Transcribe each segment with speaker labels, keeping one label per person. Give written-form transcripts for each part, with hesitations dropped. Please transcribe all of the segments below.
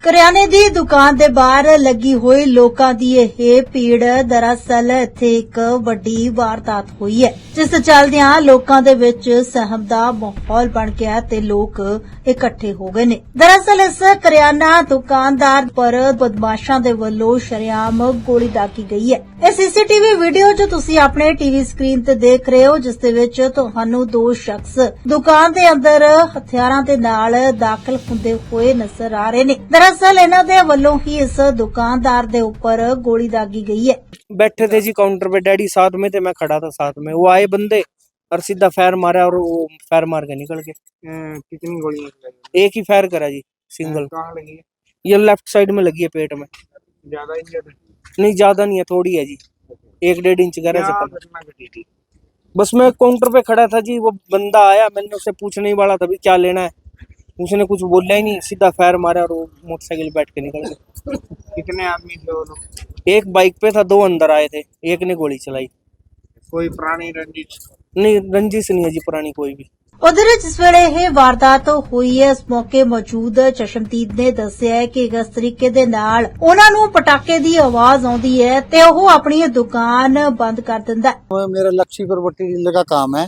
Speaker 1: ਕਰਿਆਨੇ ਦੀ ਦੁਕਾਨ ਦੇ ਬਾਹਰ ਲੱਗੀ ਹੋਈ ਲੋਕਾਂ ਦੀ ਇਹ ਭੀੜ ਦਰਅਸਲ ਇੱਥੇ ਇੱਕ ਵੱਡੀ ਵਾਰਦਾਤ ਹੋਈ ਹੈ, ਜਿਸ ਚੱਲਦਿਆਂ ਲੋਕਾਂ ਦੇ ਵਿੱਚ ਸਹਿਮ ਦਾ ਮਾਹੌਲ ਬਣ ਗਿਆ ਤੇ ਲੋਕ ਇਕੱਠੇ ਹੋ ਗਏ ਨੇ। ਦਰਅਸਲ ਇਸ ਕਰਿਆਨਾ ਦੁਕਾਨਦਾਰ ਪਰ ਬਦਮਾਸ਼ਾਂ ਦੇ ਵੱਲੋਂ ਸ਼ਰੇਆਮ ਗੋਲੀ ਦਾਗੀ ਗਈ ਹੈ। ਇਹ ਸੀਸੀਟੀਵੀ ਵੀਡੀਓ ਜੋ ਤੁਸੀਂ ਆਪਣੇ ਟੀਵੀ ਸਕਰੀਨ ਤੇ ਦੇਖ ਰਹੇ ਹੋ, ਜਿਸ ਦੇ ਵਿੱਚ ਤੁਹਾਨੂੰ ਦੋ ਸ਼ਖਸ ਦੁਕਾਨ ਦੇ ਅੰਦਰ ਹਥਿਆਰਾਂ ਦੇ ਨਾਲ ਦਾਖਲ ਹੁੰਦੇ ਹੋਏ ਨਜ਼ਰ ਆ ਰਹੇ ਨੇ। दरअसल इन्हां दे वल्लों ही इस दुकानदार दे ऊपर गोली दागी गई है।
Speaker 2: बैठे थे जी काउंटर पे, डैडी साथ में थे, मैं खड़ा था साथ में। वो आए बंदे और सीधा फायर मारा और वो फायर मार के निकल गए।
Speaker 3: कितनी गोलियां लगी?
Speaker 2: एक ही फायर करा जी, सिंगल।
Speaker 3: कहाँ लगी है?
Speaker 2: ये लेफ्ट साइड में लगी है, पेट में।
Speaker 3: ज्यादा इंजर्ड है?
Speaker 2: नहीं ज्यादा नहीं है, थोड़ी है जी, 1-1.5 इंच गहरा
Speaker 3: क्या
Speaker 2: से।
Speaker 3: घटना घटी थी?
Speaker 2: बस मैं काउंटर पे खड़ा था जी, वो बंदा आया, मैंने उससे पूछने ही वाला था भी क्या लेना है, उसने कुछ बोला ही नहीं, सीधा फायर मारा और वो मोटरसाइकिल बैठ के निकल गए।
Speaker 3: कितने आदमी थे वो लोग?
Speaker 2: एक बाइक पे था, 2 अंदर आए थे, एक ने गोली चलाई।
Speaker 3: कोई पुरानी रंजिश?
Speaker 2: नहीं, रंजिश नहीं है जी पुरानी कोई भी।
Speaker 1: उधर जिस वेले ਇਹ ਵਾਰਦਾਤ ਹੋਈ ਹੈ, ਇਸ ਮੌਕੇ ਮੌਜੂਦ ਚਸ਼ਮਦੀਦ ਨੇ ਦੱਸਿਆ ਹੈ ਕਿ ਇਸ ਤਰੀਕੇ ਦੇ ਨਾਲ ਉਹਨਾਂ ਨੂੰ ਪਟਾਕੇ ਦੀ ਆਵਾਜ਼ ਆਉਂਦੀ ਹੈ ਤੇ ਉਹ ਆਪਣੀ ਦੁਕਾਨ ਬੰਦ ਕਰ ਦਿੰਦਾ ਹੈ।
Speaker 4: मेरा लक्ष्मीपुर पट्टी जिले का काम है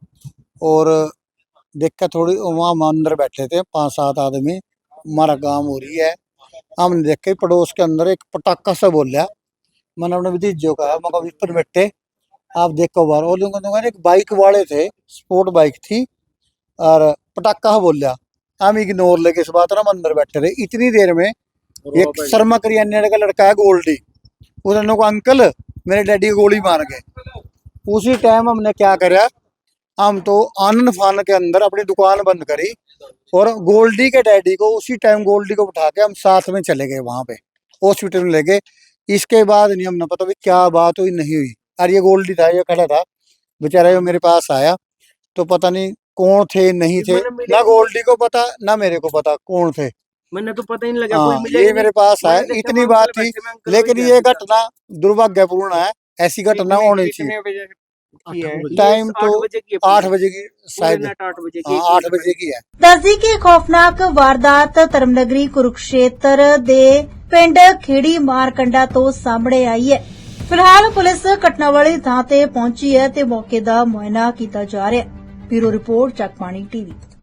Speaker 4: और देख कर थोड़ी वहाँ हम अंदर बैठे थे 5-7 आदमी, हमारा काम हो रही है। हमने देख के पड़ोस के अंदर एक पटाखा से बोल लिया। मैंने अपने भतीजों का मगर इस पर बैठे आप देखो बार, और लोगों एक बाइक वाले थे, स्पोर्ट बाइक थी और पटाखा बोल लिया। हम इग्नोर लेके इस बात हम अंदर बैठे थे। इतनी देर में एक शर्मा करियाने का लड़का है गोल्डी, उन्होंने को अंकल मेरे डैडी को गोली मार गए। उसी टाइम हमने क्या करा, हम तो आनंद फान के अंदर अपनी दुकान बंद करी और गोल्डी के डैडी को उसी टाइम गोल्डी को उठा के हम साथ में चले गए वहां पे हॉस्पिटल में ले गए। इसके बाद नहीं हमने पता भी क्या बात हुई नहीं हुई। और ये गोल्डी था, ये खड़ा था बेचारा, ये मेरे पास आया तो पता नहीं कौन थे नहीं थे, ना गोल्डी को पता ना मेरे को पता कौन थे।
Speaker 2: मैंने तो पता ही नहीं लगा,
Speaker 4: हाँ,
Speaker 2: कोई मिला ही
Speaker 4: ये मेरे पास आया, इतनी बात थी। लेकिन ये घटना दुर्भाग्यपूर्ण है, ऐसी घटना होनी चाहिए।
Speaker 3: कितने बजे की है?
Speaker 4: टाइम तो 8 बजे की शायद,
Speaker 2: 8 बजे
Speaker 4: 8 बजे की है।
Speaker 1: ਦੱਸਦੀ ਕਿ ਖੌਫਨਾਕ ਵਾਰਦਾਤ ਧਰਮਨਗਰੀ ਕੁਰੂਕਸ਼ੇਤਰ ਦੇ ਪਿੰਡ ਖੇੜੀ ਮਾਰਕੰਡਾ ਤੋਂ ਸਾਹਮਣੇ ਆਈ ਹੈ। ਫਿਲਹਾਲ ਪੁਲਿਸ ਘਟਨਾ ਵਾਲੀ ਥਾਂ ਤੇ ਪਹੁੰਚੀ ਹੈ ਤੇ ਮੌਕੇ ਦਾ ਮੁਆਇਨਾ ਕੀਤਾ ਜਾ ਰਿਹਾ ਹੈ। Bureau report, Jagbani TV.